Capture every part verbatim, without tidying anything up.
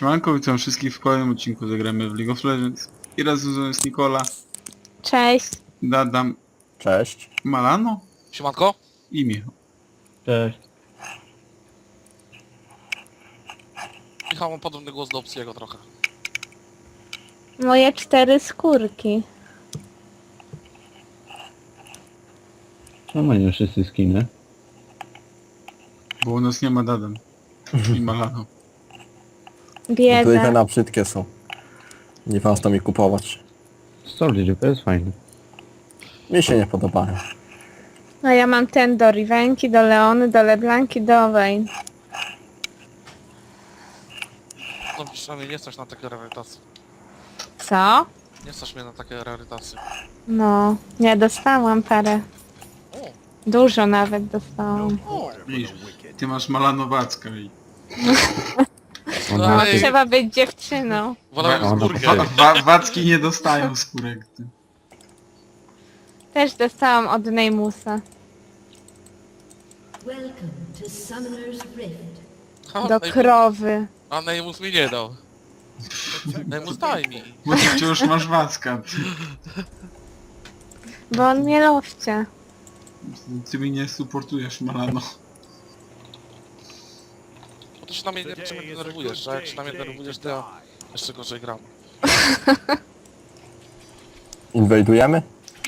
Siemanko, witam wszystkich w kolejnym odcinku. Zagramy w League of Legends. I razem jest Nikola, Cześć. Dadam, Cześć. Malano Siemanko? i Michał. Cześć. Michał, mam podobny głos do Opsiego trochę. Moje cztery skórki. No mają wszyscy skiny. Bo u nas nie ma Dadam i Malano. Tutaj te Bieda. na brzydkie są. Nie warto mi kupować. Soldier, to jest fajne. Mi się nie podobają. No ja mam ten do Rivenki, do Leony, do Leblanki, do Vayne. No przynajmniej nie stać na takie rarytasy. Co? Nie stać mnie na takie rarytasy. No, ja dostałam parę. O, Dużo nawet dostałam. o, Widzisz, ty masz Malanowacka i... no, Ona, ej, Trzeba być dziewczyną. wolałem Ona skórkę. Wa wa Wacki nie dostają skórek. Ty. Też dostałam od Neymusa. Welcome to Summoner's Rift. Ha, Do Neymus- krowy. A Neymus mi nie dał. Neymus daj mi. Bo ty wciąż masz Wacka. Ty, Bo on mnie lowcie. ty mi nie supportujesz Malano. Bo ty się na mnie nie czym denerwujesz, a jak się na mnie denerwujesz, to ja jeszcze gorzej gram. Inwajdujemy?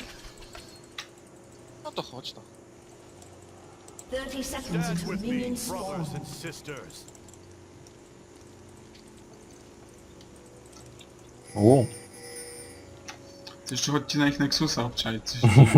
No to chodź no. thirty seconds until minions spawn. U. Ty jeszcze chodźcie na ich Nexusa obczaić coś.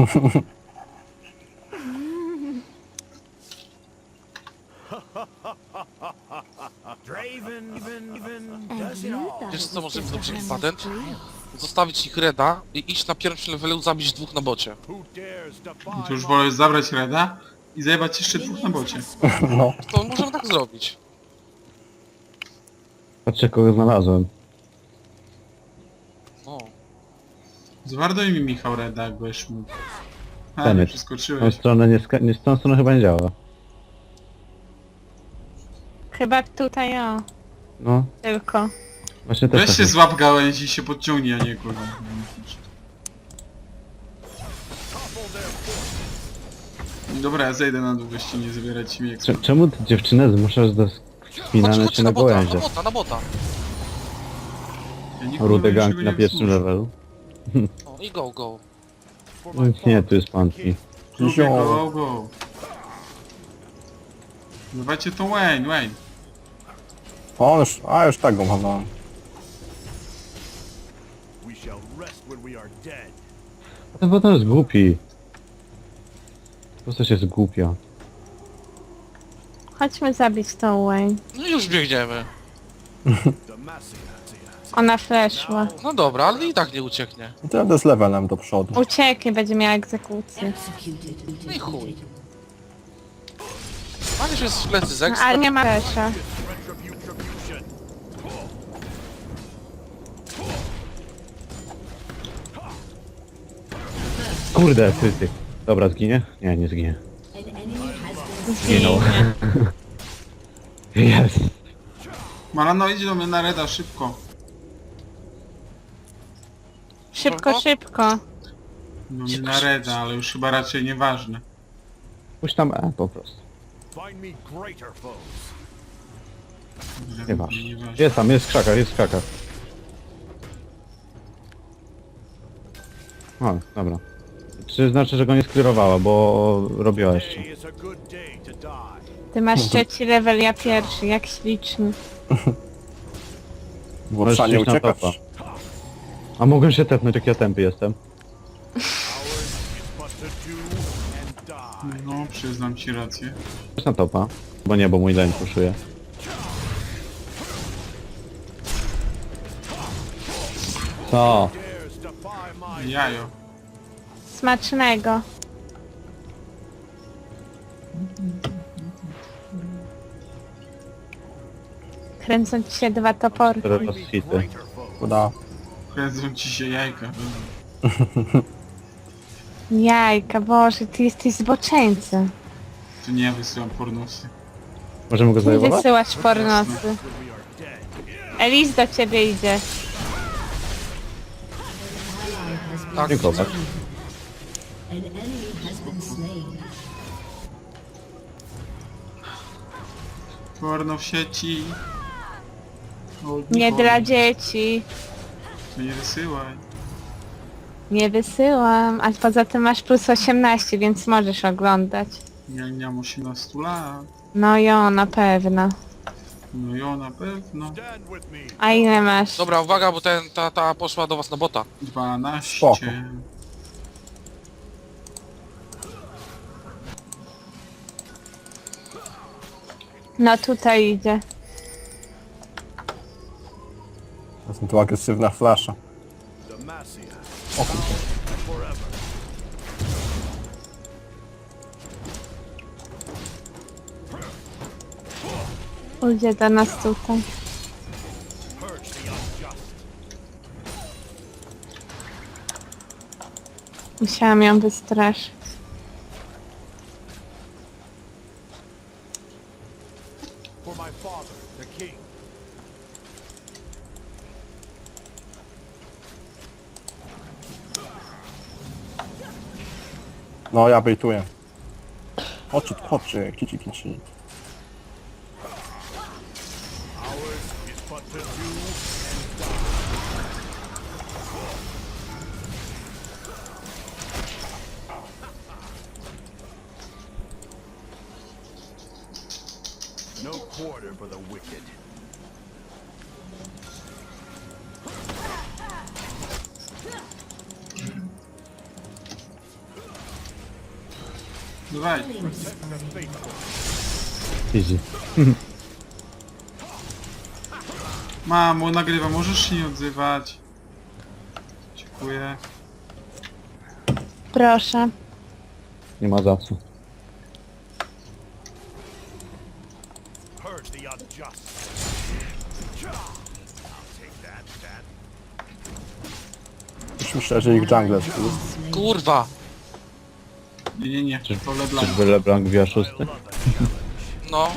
Wiesz co, może być dobry patent? Zostawić ich reda i iść na pierwszym levelu zabić dwóch na bocie. To już wolę zabrać Reda i zajebać jeszcze dwóch na bocie. No. To możemy tak zrobić. patrzę kogo znalazłem. No. Zwarduj mi Michał Reda, jak byś mógł. A, Tenet. nie Tą przeskoczyłeś. stronę nie, ska- nie z tą stronę chyba nie działa. Chyba tutaj o. No, Tylko. właśnie też Weź tak się jest. złap gałęzi i się podciągnij, a nie kurwa. Dobra, ja zejdę na dół, weźcie nie zabierać mi jak Cze- Czemu ty dziewczynę zmuszasz do Chodź, spinania chodź się na na bota, na gałęzie? bota, na bota. ja nikogo Rude niczego ganki nie na pierwszym wzmuszę. levelu. O, i go, go. No, nie, tu jest panki. Lubię go, go. Dawajcie to Wayne, Wayne. O, już, a już tak go mam. Ten bot jest głupi. Po prostu się zgłupia. Chodźmy zabić tą Wayne. No i już biegniemy. Ona fleszła. No dobra, ale i tak nie ucieknie. I to jadę z levelem do przodu. Ucieknie, będzie miała egzekucję. Executed. No i chuj. Manisz jest w plecy z ekstra. Ale nie ma flesza. Kurde, ty, ty. Dobra, zginie? Nie, nie zginie. An enemy has been Zginął. Jest. Malano, idź do mnie na Reda, szybko. Szybko, szybko. No nie na Reda, ale już chyba raczej nieważne. Puść tam E po prostu. Nie masz. Nieważne. Jest tam, jest w krzakach, jest w krzakach. O, dobra. Czy znaczy, że go nie sklirowała, bo robiła jeszcze. Ty masz trzeci level, ja pierwszy, jak śliczny. W Możesz Warszawie iść na uciekać. topa. A mogę się tepnąć, jak ja tępy jestem. No, przyznam ci rację. Chodź na topa. Bo nie, bo mój lane puszuje. Co? Jajo. Smacznego. Kręcą ci się dwa toporki. Teraz hity. Uda. Kręcą ci się jajka. Jajka, Boże, ty jesteś zboczeńcem. Tu nie wysyłam pornosy. Możemy go Nie zajmować? wysyłasz pornosy. Elis do ciebie idzie. Ally has been Tak. Dziękuję. slain. An enemy has been slain. Porno w sieci. O, Nie Niko, dla dzieci. To nie wysyłaj. Nie wysyłam, a poza tym masz plus osiemnaście, więc możesz oglądać. Ja nie mam osiemnastu lat. No jo, na pewno. No jo, na pewno. A ile masz? Dobra, uwaga, bo ten, ta, ta poszła do was na bota. dwanaście. Spoko. No tutaj idzie. Są tu agresywna flasza. Idzie do nas tutaj. Musiałam ją wystraszyć. No ja bejtuję. Oczy, oczy, kici, kici. No quarter for the wicked. Dawaj. Easy. Mamo, nagrywa, możesz się nie odzywać. Dziękuję. Proszę. Nie ma za co. Purge the unjust. I'll take that, that. Już myślę, że ich jungle tu. Kurwa! Nie, nie, nie. To LeBlanc. Czyżby LeBlanc wbija szósty? No,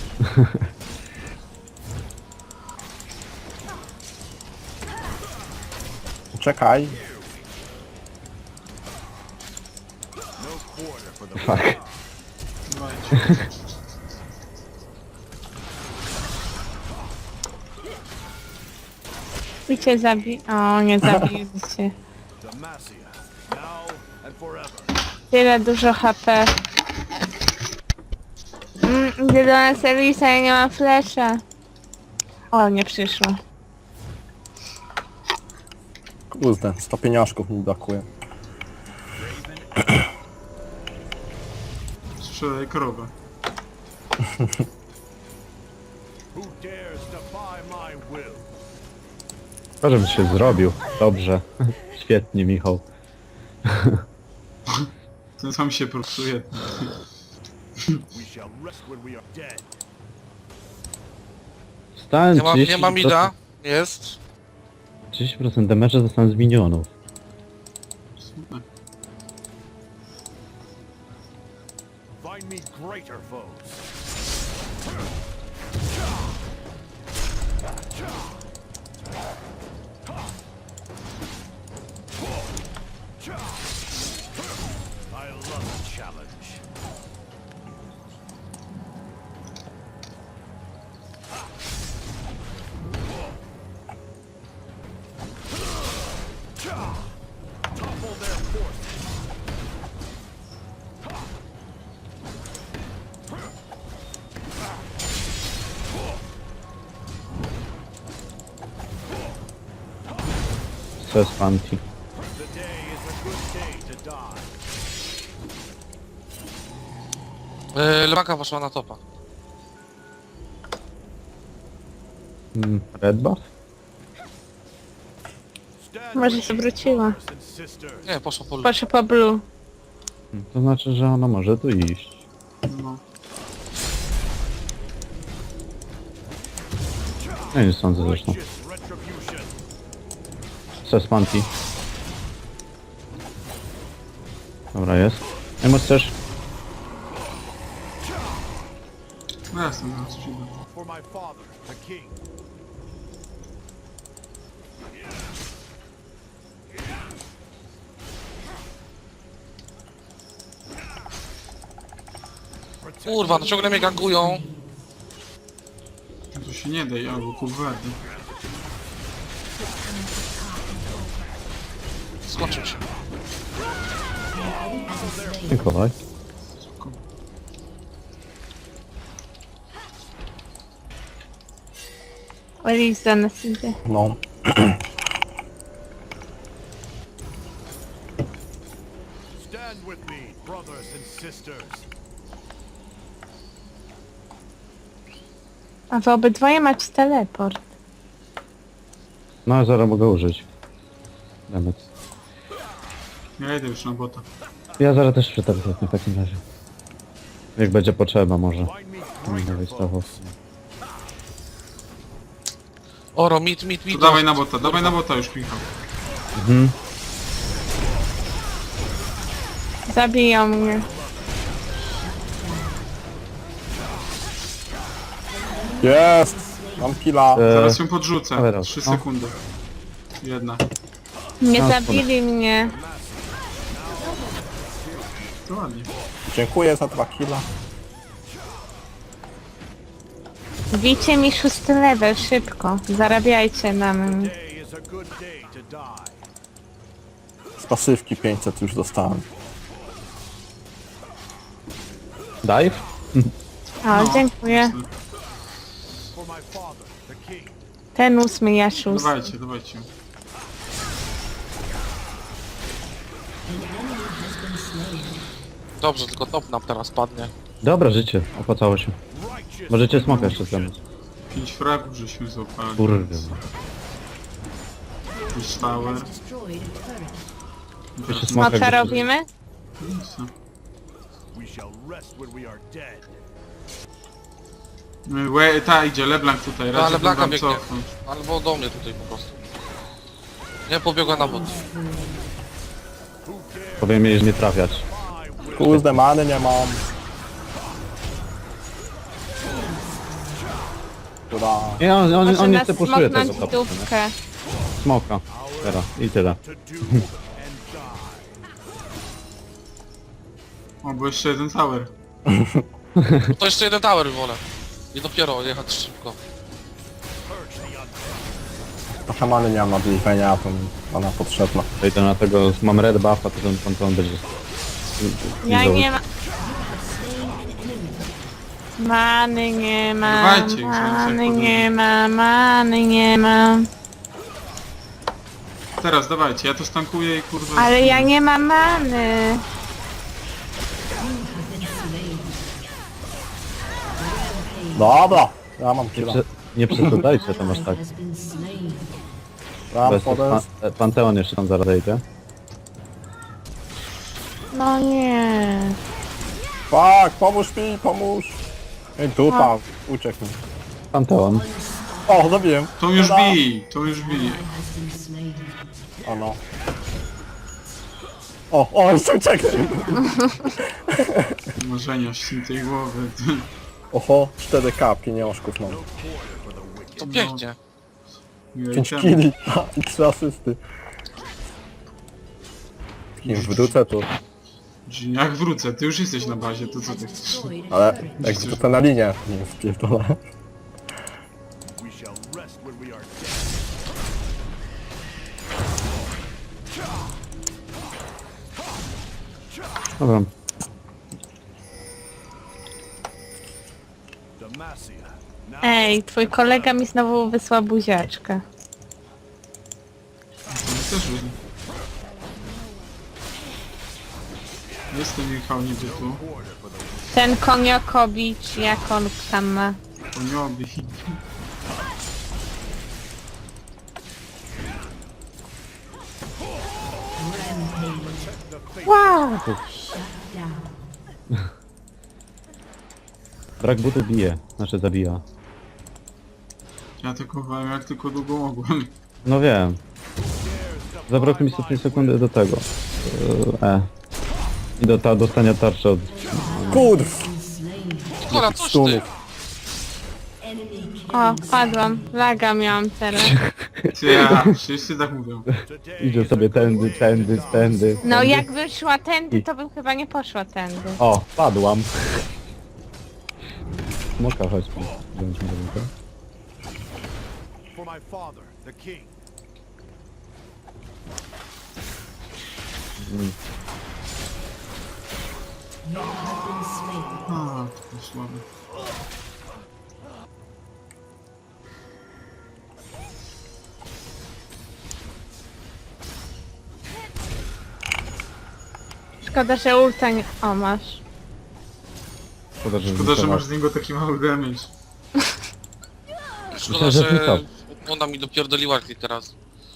Czekaj. Fuck. Dawajcie. I cię zabi... O, nie zabił cię. Demacia. Now and forever. Tyle dużo H P. Mm, idzie do nas Elisa, ja nie mam flesza. O, nie przyszło. Kurde, sto pieniążków mi brakuje. Strzelaj krowę. Who dares defy my will? To, żebym się zrobił. Dobrze. Świetnie, Michał. Ten sam się propsuje. We shall rest when we are dead. Stałem nie ma, nie ma trzydzieści procent mida. Jest. trzydzieści procent damage'a zostałem z minionów. Super. Find me greater foes. I love a challenge. Topple their forces. Co jest panty? Today is a good day to die. Yy, LeBlanca poszła na topa. Mm, red buff? Stand Może with się me, wróciła. brothers and sisters. Nie, poszła po Proszę po blue. Mm, To znaczy, że ona może tu iść. No. Ja nie sądzę zresztą. Righteous retribution. Co jest panty? Dobra, jest. Emos też. No jasne, zaraz przyjdę. For my father, the king. Kurwa, no ciągle mnie gangują. No to się nie daj, albo kuwety. Skończył się. Dziękuję. Elise za nas idzie. No. Stand with me, brothers and sisters. A wy obydwoje macie teleport. No, zaraz mogę użyć. Demet. Ja idę już na bota. Ja zaraz też przeteleport w takim razie. Jak będzie potrzeba może. Find me Będę greater wystawał. foes. Oro, mit, mit, To mit. dawaj na bota, dawaj na bota już, Michał. Mhm. Zabiją mnie. Jest! Mam killa. E, Zaraz ją podrzucę. Dawaj raz, Trzy no. sekundy. Jedna. Nie No, zabili mnie. To ładnie. Dziękuję za dwa killa. Bijcie mi szósty level, szybko. Zarabiajcie na mnie. Today is a good day to die. Z pasywki pięćset już dostałem. Dive? O, No. dziękuję. For my father, the king. Ten ósmy, ja szósty. Dawajcie, dawajcie. Dobrze, tylko top nam teraz padnie. Dobra, życie. Opłacało się. Righteous Możecie smoka jeszcze zamiast. Pięć fragów żeśmy złapali. Kurde. Jakiś tower. Destroyed a turret. Jeszcze Teraz smoka No co gdzieś- robimy? nic. we shall rest when we are dead. Łe, ta idzie, Leblanc tutaj, No, raczej LeBlanca wam biegnie. cofnąć. Albo do mnie tutaj po prostu. Nie, pobiegła na bot. Powiem jej, że nie trafiać. Kurde, many nie mam. Kura. Nie, on, on, Może on nie nas chce puszuje tego smoknąć w topu, nie? dupkę. Smoka. Teraz. I tyle. To do and die. O, bo jeszcze jeden tower. To jeszcze jeden tower wolę. I dopiero jechać szybko. Trochę many nie mam na bliżenia, to mi ona potrzebna. To idę na tego, mam red buffa, to ten panteon będzie... Ja Idą. nie ma... Many nie ma, Dawajcie, już many więcej nie ma, many nie ma. Teraz, dawajcie, ja to stankuję i kurwa... Ale ja nie mam many. Dobra, ja mam Nie, killa. prze, nie przesadzajcie tam aż tak. Has been slain. Ram Bez podest. pan, e, panteon jeszcze tam zaraz idę. No nie. Fuck, pomóż mi, pomóż. Ej, dupa, uciekł mi. Panteon. O, zabiłem. To już Dobra. bij, to już bij. Has been slain. O no. O, o, jeszcze uciekł. Marzenia śniętej głowy. Oho, cztery K, pieniążków mam. To pięknie. pięć killi i trzy asysty. Kim wrócę tu. Jak wrócę, ty już jesteś na bazie, to co ty chcesz? Destroyed a Ale turret. jak wrócę na linię, nie spierdolę. We shall rest when we are dead. Dobra. Demacia. Now Ej, twój kolega mi znowu wysłał buziaczkę. To my też byli. Jestem Michał niby tu. Ten koniokowicz, jak on tam ma. Koniobi. Wow! Down. Brak buty bije. Znaczy zabija. Ja tylko wam jak tylko długo mogłem. No wiem. Zabrakło mi sto pięć sekundy do tego. E. I do ta, dostania tarczy od... Kurw! Kola, coś ty! Stunów. O, padłam. Laga miałam teraz. Ty, ja, wszyscy tak mówią. today Idzie is sobie a good tędy, day tędy, to die. tędy. No tędy. jak wyszła tędy, to bym chyba nie poszła tędy. O, padłam. smoka, chodźmy. Wziąć mi rękę. For my father, the king. You have been slain. A, to słabe. Szkoda, że ulta nie... O, masz. Szkoda, że, Szkoda, że zniknęła. masz z niego taki mały damage. Szkoda, że że zniknął. ona mi dopierdoliła kilka razy.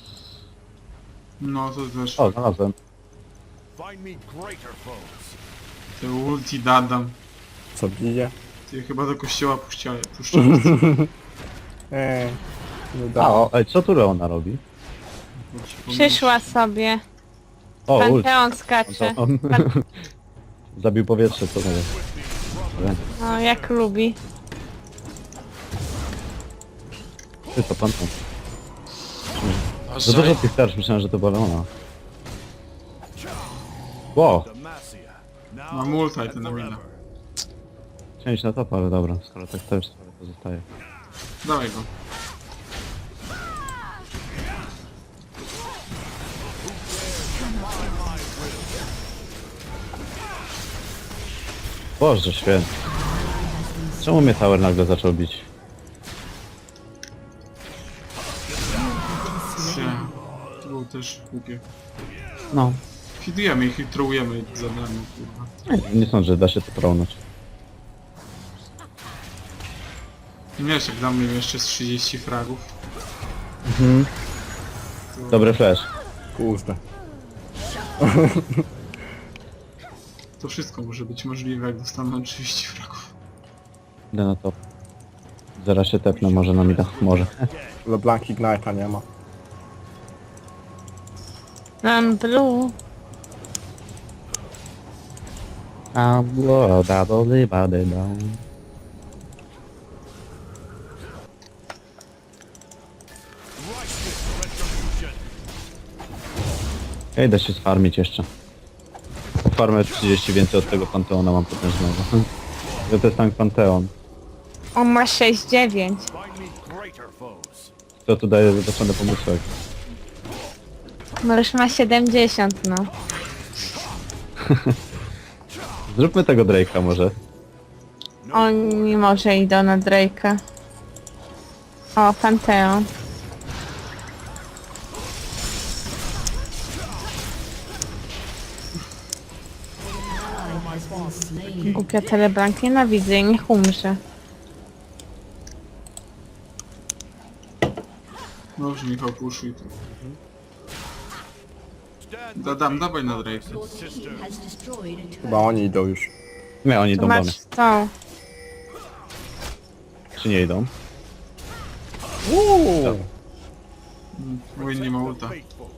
No to też. O, znalazłem. Find me greater foes. Te ulti dadam. Co bije? Ty chyba do kościoła puściają. Puszczałem. Eee. Nie A, da. o, ej, co tu Leona robi? Przyszła sobie. O, ult. Panteon skacze. On- Zabił powietrze, co mówię. No, jak lubi. Ty to Panteon. A Za dużo że... tych tarcz, myślałem, że to była Leona. Ło, Demacia. Now Mam ulta i and ten na mina. forever. chciałem iść na top, ale dobra, skoro tak też pozostaje. Dawaj go. Boże święty. Czemu mnie Tower nagle zaczął bić? Nie. To było też głupie. No. Fidujemy ich i trołujemy za nami, kurwa. Nie, nie sądzę, że da się to prągnąć. Nie wiesz, jak dam jeszcze z trzydzieści fragów. Mhm. Dobry flash. Kurde. To wszystko może być możliwe, jak dostaną trzydzieści fragów. Idę na top. Zaraz się tepnę, może na mida. Może. LeBlanc Ignite'a nie ma. Mam blue. A bloda do libady down. Ja idę się sfarmić jeszcze. Farmę trzydzieści więcej od tego Panteona mam potężnego. To jest tank Panteon. On ma sześć dziewięć. Find me greater foes. To tu daje zaznaczony pomysłek. No już ma siedemdziesiąt, no. Zróbmy tego Drake'a może. Oni może idą na Drake'a. O, Panteon. Ally has been slain. Głupia Telebrank, nienawidzę jej, niech umrze. Dobrze, Michał, puszuj to. Stand Dadam, dawaj na Drake'a. Your team has destroyed a turret. Chyba oni idą już. Nie, oni Tu idą do mnie. masz tą. Czy nie idą? Uuu. Win nie ma ulta. faithful.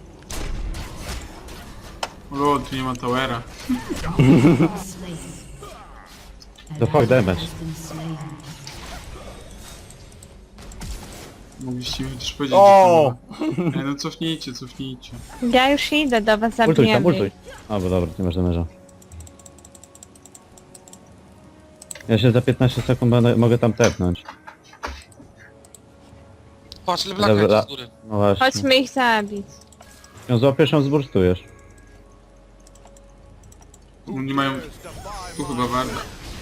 Lol, tu nie ma towera. Slain. The fuck damage. Has been slain. Mogliście mi też powiedzieć, O! że to ma. Ej, no cofnijcie, cofnijcie. Ja już idę do was, Ultuj zabiję. tam, ultuj. A, bo dobra, nie masz damage'a. Ja się za piętnaście sekund będę, mogę tam tepnąć. Patrz, LeBlanc Dobra. jak z góry. No właśnie. Chodźmy ich zabić. Ją złapiesz, ją zburstujesz. No nie mają... Tu chyba warda.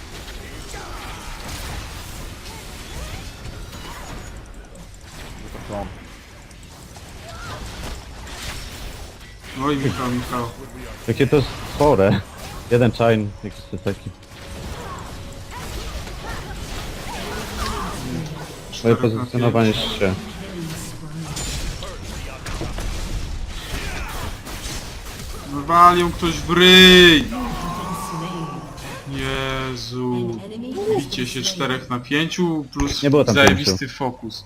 Oj, Michał, Michał. Jakie to jest chore. Jeden chain, jakiś to taki. Moje Czterech na pozycjonowanie pięć. się. No walił ktoś w ryj! Jezu. Bicie się czterech na pięciu plus Nie było tam zajebisty fokus.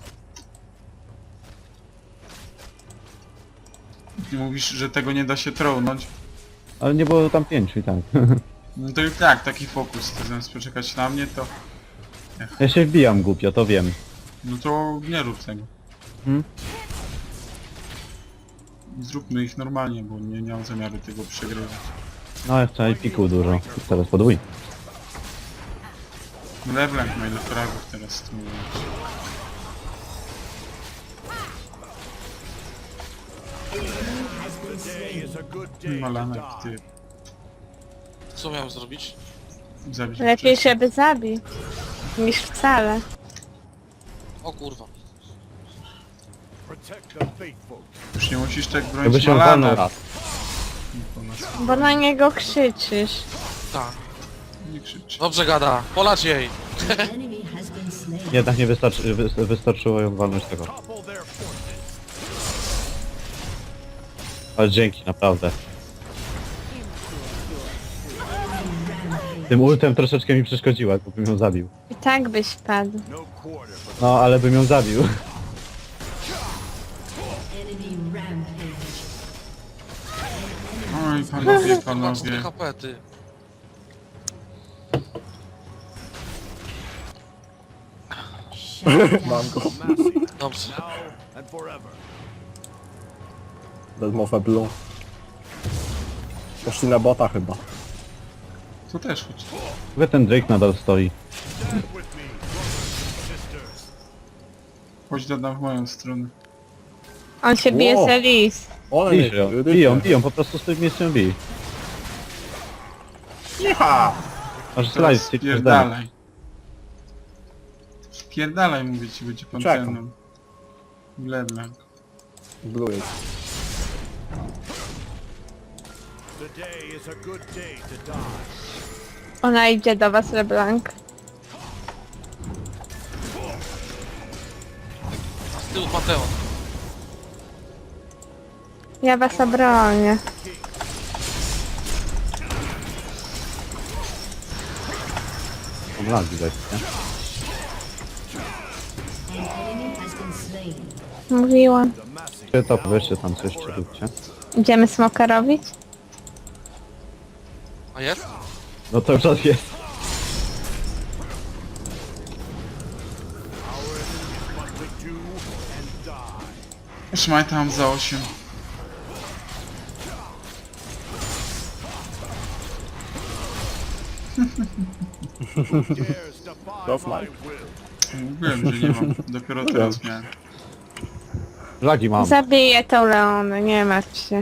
Ty mówisz, że tego nie da się trołnąć? Ale nie było tam pięciu i tak. No to i tak, taki fokus. Ty zamiast poczekać na mnie, to... Ja się wbijam głupio, to wiem. No to nie rób tego. Hmm? Zróbmy ich normalnie, bo nie, nie mam zamiaru tego przegrywać. No ja chcę piku dużo. Teraz podwój. LeBlanc ma ile fragów teraz tu. Today is a good day to Malana, die. ty. Co miałem zrobić? Zabić Lepiej, wcześniej. żeby zabił, niż wcale. O kurwa. Protect the faithful. Już nie musisz tak Jakby bronić się walnął Malana. raz. Po nas Bo na niego krzyczysz. Tak. nie krzyczy. Dobrze gada. Polać jej. An enemy has been slain. Jednak nie wystarczy, wy, wystarczyło ją walnąć tego. Topple their forces. Ale dzięki, naprawdę. Tym ultem troszeczkę mi przeszkodziła, bo bym ją zabił. I tak byś padł. No quarter, but No, ale bym ją zabił. Enemy rampage. Oj, panowie, Kurwa, cztery panowie. H P, ty. Mam go. massive. Dobrze. Now and forever. Wezmowę blue. Poszli na bota chyba. To też chodź. Chyba ten Drake nadal stoi. Stand with me, brothers and sisters. Chodź dodam w moją stronę. On się bije Wow. z Elis. One Bij ją, biją, biją, po prostu z tym miejscem bij. Cicha! Masz Teraz slajd, stick każdemu. spierdalaj. Spierdalaj, mówię ci, będzie pan Czekam. ceną. LeBlanc. Blue jest. Today is a good day to die. Ona idzie do was, LeBlanc. A z tyłu Panteon. Ja was obronię. Mam lag widać, nie? An enemy has been slain. Mówiłam. The massive Czy to weźcie tam coś, czy róbcie. Idziemy smoka robić? A jest? No to już raz jest. what to do and die. Szmaj tam za osiem. Dares defy That's my mine. will. Mówiłem, że nie mam. Dopiero teraz miałem. Lagi mam. Zabiję tą Leonę, nie martw się.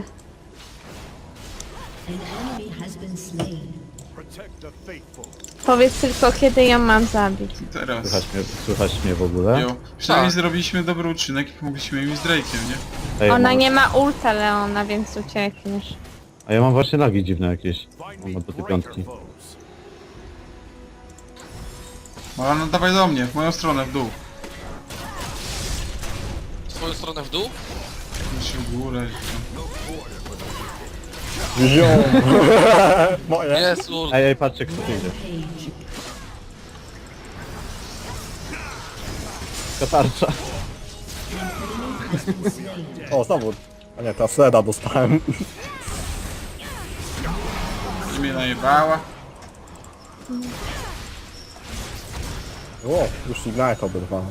An enemy has been slain. Protect the faithful. Powiedz tylko, kiedy ją mam zabić. Teraz. Słychać mnie, słychać mnie w ogóle. Jo. Przynajmniej Tak. zrobiliśmy dobry uczynek i pomogliśmy im z Drake'iem, nie? Ej, Ona mam- nie ma ulta Leona, więc uciekniesz. A ja mam właśnie lagi dziwne jakieś. Find Mam me do tej greater piątki. foes. Malana, dawaj do mnie, w moją stronę, w dół. W swoją stronę w dół? Się w górę. Ziom! Moje! Jest, ul. Ej, ej, patrzcie kto tu idzie. Page. Katarcza. Has been slain. O, znowu. A nie, ta Seda dostałem. I mnie najebała. O, już Ignite oberwałem.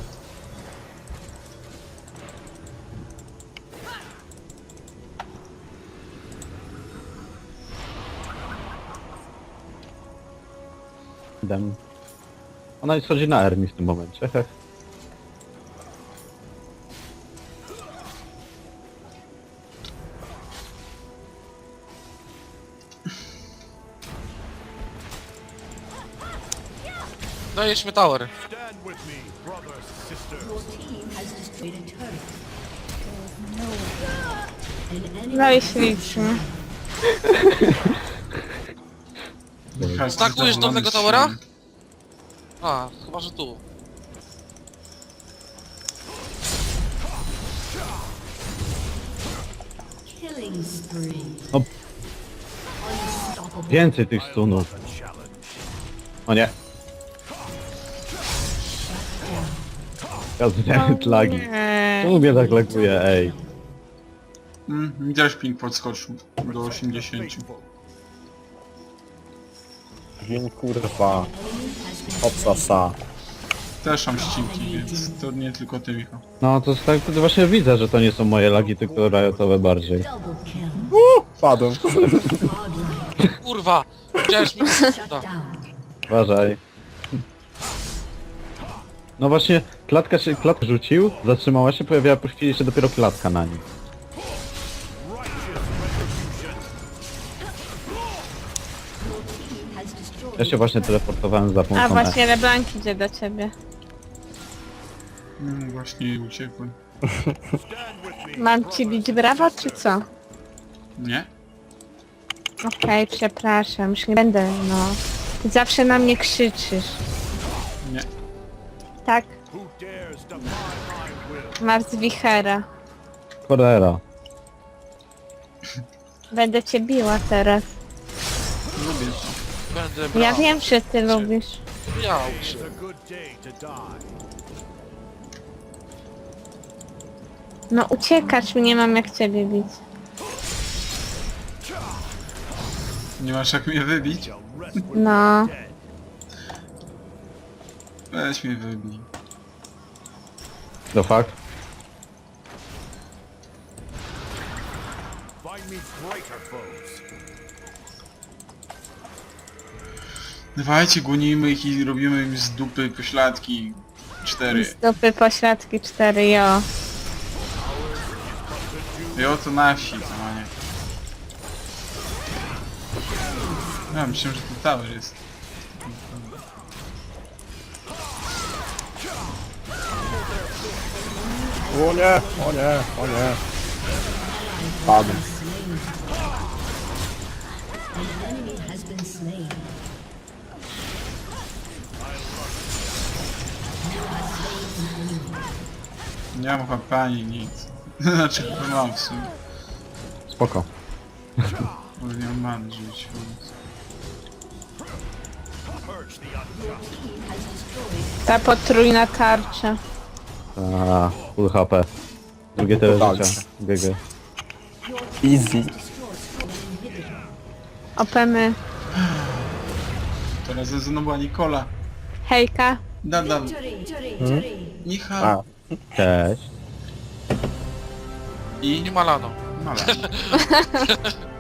Dem. Ona schodzi na Ermi w tym momencie. heh. Dajesz tower. Stand with me, brothers and sisters. Your team has destroyed a turret. An enemy No i has been ślicznie. Każdy Stakujesz zadowolony dolnego z towera? siebie. A, chyba że tu. killing spree. No. Unstoppable. Więcej tych stunów. O nie. Gazdemit lagi. Nie. Czemu mnie tak laguje, ej. Mm, widziałeś ping podskoczył do osiemdziesięciu. Faithful. Dzień kurwa. Obsasa. Też mam ścinki, więc to nie tylko ty, Michał. No to jest tak, to właśnie widzę, że to nie są moje lagi, tylko riotowe bardziej. Double kill. Padłem. Godlike. Kurwa! Widziałeś mi? Shut Da. down. Uważaj. No właśnie, klatka się, klatkę rzucił, zatrzymała się, pojawiła po chwili jeszcze dopiero klatka na nim. Has destroyed Ja się właśnie teleportowałem za A pomocą E. właśnie Leblanc idzie do ciebie. No właśnie uciekłem. Mam ci bić brawo, czy co? Nie? Okej, przepraszam, już nie będę, no. Ty zawsze na mnie krzyczysz. Nie. Tak? Who dares defy my will? Masz wichera. Cholera. Będę cię biła teraz. Lubię. Będę brał. Ja wiem, że ty lubisz. Miał It's się. a good day to die. No uciekać, nie mam jak ciebie bić. Nie masz jak mnie wybić? Shall rest when No. we are dead. Weź mnie wybij. No fakt. Find me greater foes. Dawajcie, gonimy ich i robimy im z dupy pośladki. Cztery. Z dupy pośladki cztery, jo. I oto nasi, co ma nie. Ja myślałem, że to tower jest. O nie, o nie, o nie. Padł. an enemy has been slain. Nie mam chyba ani nic. Znaczy chyba mam w sumie. Spoko. Ale nie mam man żyć. Więc... Purge the unjust. Ta potrójna tarcza. A, full H P. Drugie tyle tak. życia. G G. Easy. Opemy. Teraz ze mną była Nikola. Hejka. Dadam. Hmm? Michał. A, Cześć. I... Nie malano. Mala.